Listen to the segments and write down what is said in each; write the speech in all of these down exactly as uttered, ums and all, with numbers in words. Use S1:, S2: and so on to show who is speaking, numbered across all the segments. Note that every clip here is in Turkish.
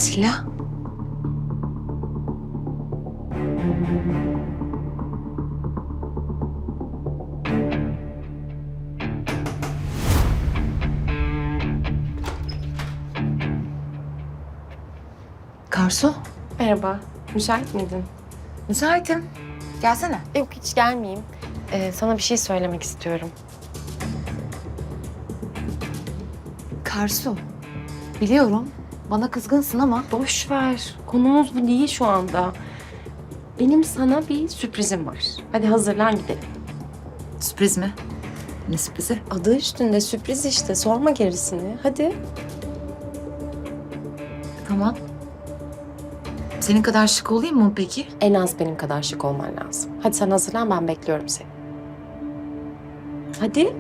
S1: Atilla. Karsu,
S2: Merhaba, müsait miydin?
S1: müsaitim. Gelsene.
S2: Yok, hiç gelmeyeyim. Ee, sana bir şey söylemek istiyorum.
S1: Karsu, biliyorum bana kızgınsın ama...
S2: Boş ver, konumuz bu değil şu anda. Benim sana bir sürprizim var. Hadi hazırlan gidelim.
S1: Sürpriz mi? Ne sürprizi?
S2: Adı üstünde sürpriz işte, sorma gerisini. Hadi.
S1: Tamam. Senin kadar şık olayım mı peki?
S2: En az benim kadar şık olman lazım. Hadi sen hazırlan, ben bekliyorum seni. Hadi.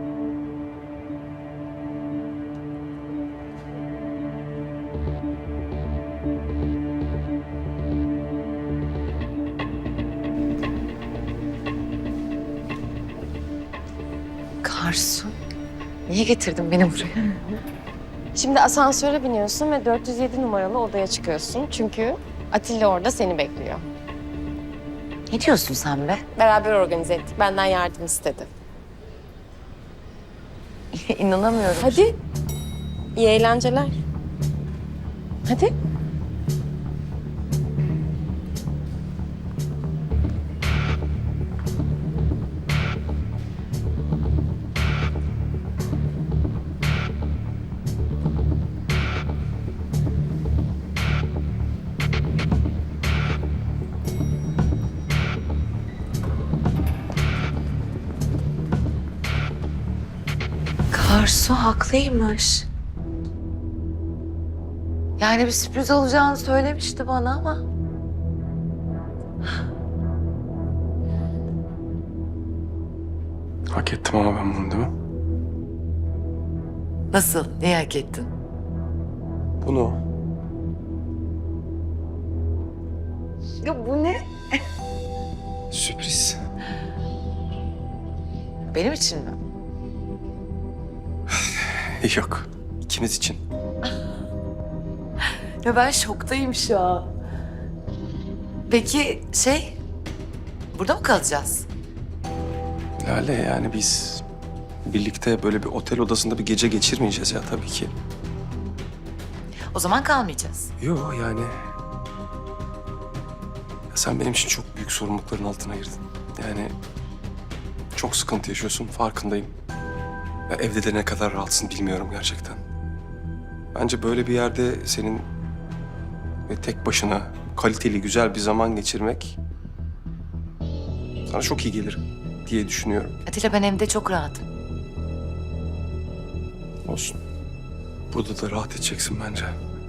S1: Karsu, niye getirdin beni buraya?
S2: Şimdi asansöre biniyorsun ve dört yüz yedi numaralı odaya çıkıyorsun. Çünkü Atilla orada seni bekliyor.
S1: Ne diyorsun sen be?
S2: Beraber organize ettik. Benden yardım istedi.
S1: İnanamıyorum.
S2: Hadi. İyi eğlenceler. Hadi.
S1: Karsu haklıymış. Yani bir sürpriz olacağını söylemişti bana ama...
S3: Hak ettim ama ben bunu değil mi?
S1: Nasıl? Neyi hak ettin?
S3: Bunu.
S1: Ya bu ne?
S3: Sürpriz.
S1: Benim için mi?
S3: Yok. İkimiz için.
S1: Ya ben şoktayım şu an. Peki şey, burada mı kalacağız?
S3: Lale yani biz birlikte böyle bir otel odasında bir gece geçirmeyeceğiz ya tabii ki.
S1: O zaman kalmayacağız.
S3: Yok yani. Ya sen benim için çok büyük sorumlulukların altına girdin. Yani çok sıkıntı yaşıyorsun farkındayım. Ya evde de ne kadar rahatsın bilmiyorum gerçekten. Bence böyle bir yerde senin ve tek başına kaliteli güzel bir zaman geçirmek sana çok iyi gelir diye düşünüyorum.
S1: Atilla ben evde çok rahatım.
S3: Olsun. Burada da rahat edeceksin bence.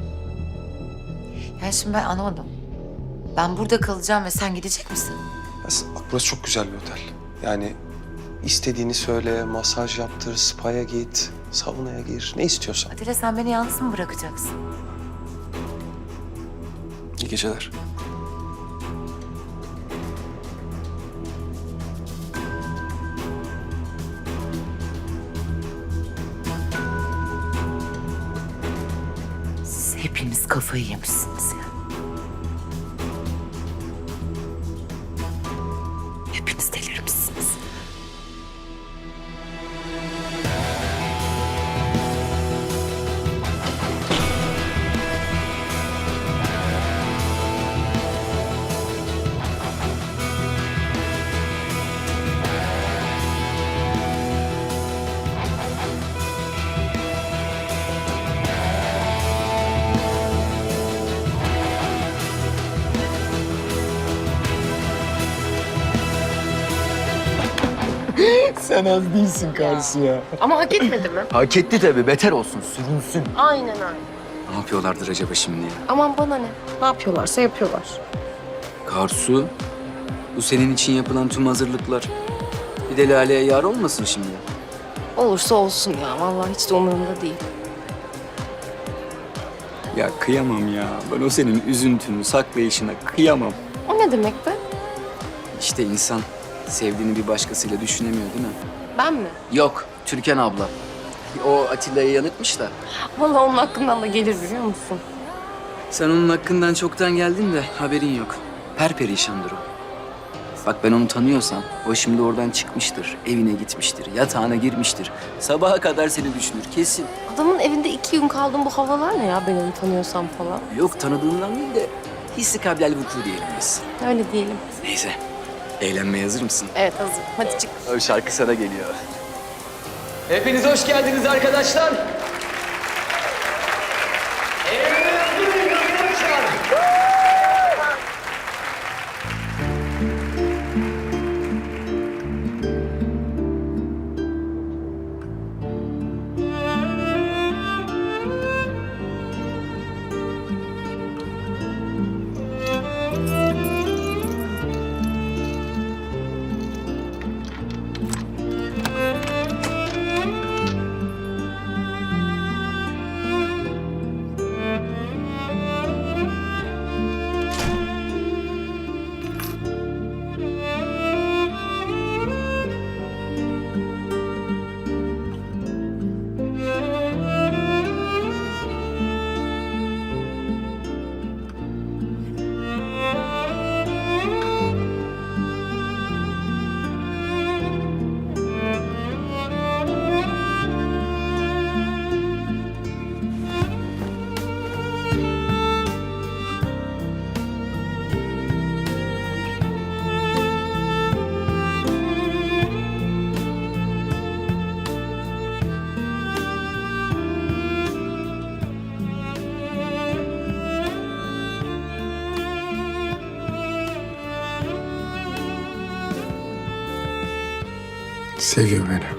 S1: Yani şimdi ben anlamadım. Ben burada kalacağım ve sen gidecek misin?
S3: Ya s- bak burası çok güzel bir otel. Yani istediğini söyle, masaj yaptır, spa'ya git, saunaya gir, ne istiyorsan.
S1: Atilla sen beni yalnız mı bırakacaksın?
S3: İyi geceler.
S1: Siz hepiniz kafayı yemişsiniz ya. Hepiniz delirmişsiniz.
S4: Sen az değilsin karşı ya.
S2: Ama hak etmedi mi?
S4: Hak etti tabii. Beter olsun, sürünsün.
S2: Aynen öyle.
S4: Ne yapıyorlardır acaba şimdi ya?
S2: Aman bana ne? Ne yapıyorlarsa yapıyorlar.
S5: Karsu, bu senin için yapılan tüm hazırlıklar bir de Lale'ye yar olmasın şimdi.
S2: Olursa olsun ya. Vallahi hiç de umurumda değil.
S5: Ya kıyamam ya. Ben o senin üzüntünü, saklayışına kıyamam.
S2: O ne demek be?
S5: İşte insan sevdiğini bir başkasıyla düşünemiyor değil mi?
S2: Ben mi?
S5: Yok, Türkan abla. O Atilla'yı yanıtmış da.
S2: Vallahi onun hakkından da gelir biliyor musun?
S5: Sen onun hakkından çoktan geldin de haberin yok. Perperişandır o. Bak ben onu tanıyorsam o şimdi oradan çıkmıştır, evine gitmiştir, yatağına girmiştir. Sabaha kadar seni düşünür kesin.
S2: Adamın evinde iki gün kaldım, bu havalar ne ya, ben onu tanıyorsam falan.
S5: Yok tanıdığından değil de hissi kablel vuku diyelim biz.
S2: Öyle diyelim.
S5: Neyse. Eğlenmeye hazır mısın?
S2: Evet, hazır. Hadi çık.
S5: O şarkı sana geliyor. Hepiniz hoş geldiniz arkadaşlar.
S3: Seviyor beni.